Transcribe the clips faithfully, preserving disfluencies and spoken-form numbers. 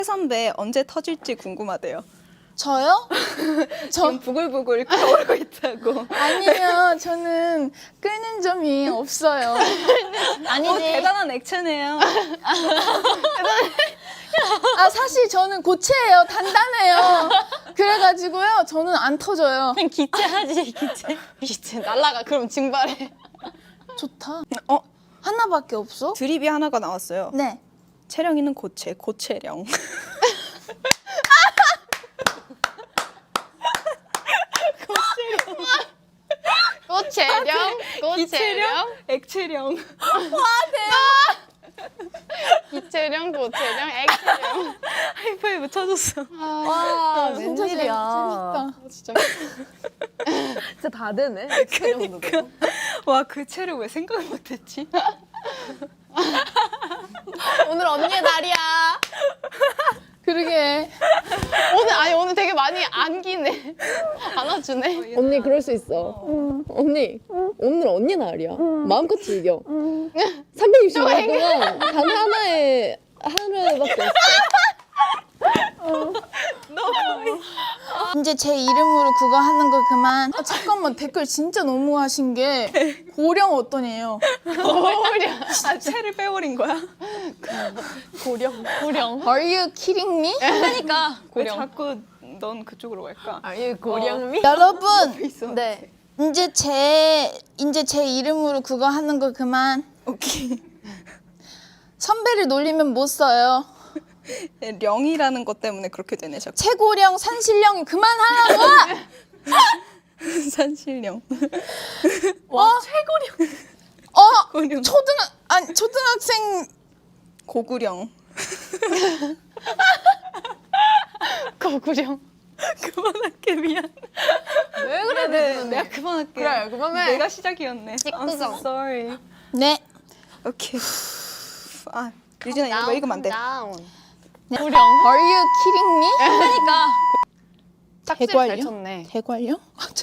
선배 언제 터질지 궁금하대요. 저요? 지금 부글부글 끓어오르고 있다고. 아니요, 저는 끓는 점이 없어요. 아니지. 어, 대단한 액체네요. 아, 사실 저는 고체예요. 단단해요. 그래가지고요, 저는 안 터져요. 그냥 기체하지, 기체. 기체 날라가. 그럼 증발해. 좋다. 어, 하나밖에 없어? 드립이 하나가 나왔어요. 네. 채령이는 고체, 고체령. 고체령, 고체령, 액체령. 기체령, 고체령, 액체령. 하이파이브 쳐줬어. 와, 진짜 재밌다. 진짜. 진짜 다 되네. 액체령도 되고. 와, 그 채를 왜 생각을 못했지? 오늘 언니의 날이야. 그러게. 오늘 아니 오늘 되게 많이 안기네. 안아주네. 언니 그럴 수 있어. 언니 오늘 언니 날이야. 마음껏 즐겨. 삼백육십오 일 동안 단 하나의 하루밖에 없어. 이제 제 이름으로 그거 하는 거 그만. 아, 잠깐만, 댓글 진짜 너무하신 게 고령 어떠네요? 고령. 아, 채를 빼버린 거야? 고령. 고령. Are you kidding me? 그러니까 왜 고령. 자꾸 넌 그쪽으로 갈까? 아유 고령미. 여러분, 있어. 네. 이제 제 이제 제 이름으로 그거 하는 거 그만. 오케이. 선배를 놀리면 못 써요. 령이라는 것 때문에 그렇게 되네, 자꾸. 최고령, 산신령 그만하라고. 산신령. 와, 최고령. 어, 고령. 초등 아니 초등학생 고구령. 고구령. 그만할게, 미안. 왜 그래? 네, 내가 그만할게. 그래 그만해. 내가 시작이었네. I'm so sorry. 네. 오케이. 아, 유진아, 이거 읽으면 안 돼. 다운. 고령. Are you kidding me? 그러니까. 짝질 잘 대관령? 쳤네. 대관령?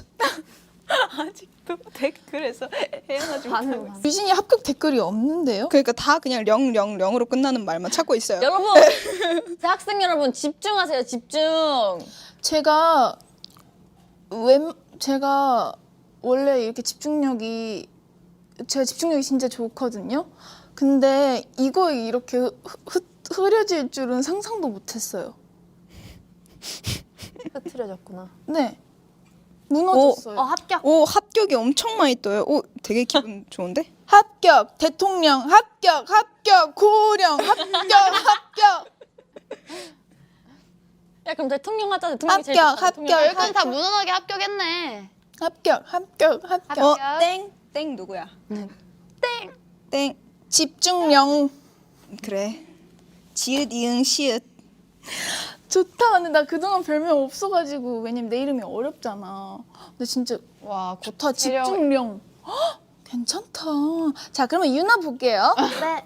아직도 댓글에서 헤어나지 반응, 못하고 있어. 반응. 유진이 합격 댓글이 없는데요? 그러니까 다 그냥 령, 령, 령으로 끝나는 말만 찾고 있어요. 여러분, 학생 여러분 집중하세요. 집중. 제가 웬 제가 원래 이렇게 집중력이 제가 집중력이 진짜 좋거든요. 근데 이거 이렇게 흐, 흐, 흐려질 줄은 상상도 못했어요. 흐트러졌구나. 네, 무너졌어요. 어, 합격. 오, 합격이 엄청 많이 떠요. 오, 되게 기분 좋은데? 합격, 대통령, 합격, 합격, 고령, 합격, 합격. 야, 그럼 대통령 하자. 대통령이 제일 합격, 좋다, 대통령. 합격, 여기까지 다 무난하게 합격했네. 합격, 합격, 합격. 어, 합격. 땡, 땡 누구야? 땡. 땡. 집중력. 그래. 지읒, 이응, 시읒. 좋다. 근데 나 그동안 별명 없어가지고 왜냐면 내 이름이 어렵잖아. 근데 진짜 와, 좋다. 체력. 집중력. 헉, 괜찮다. 자, 그러면 유나 볼게요. 네.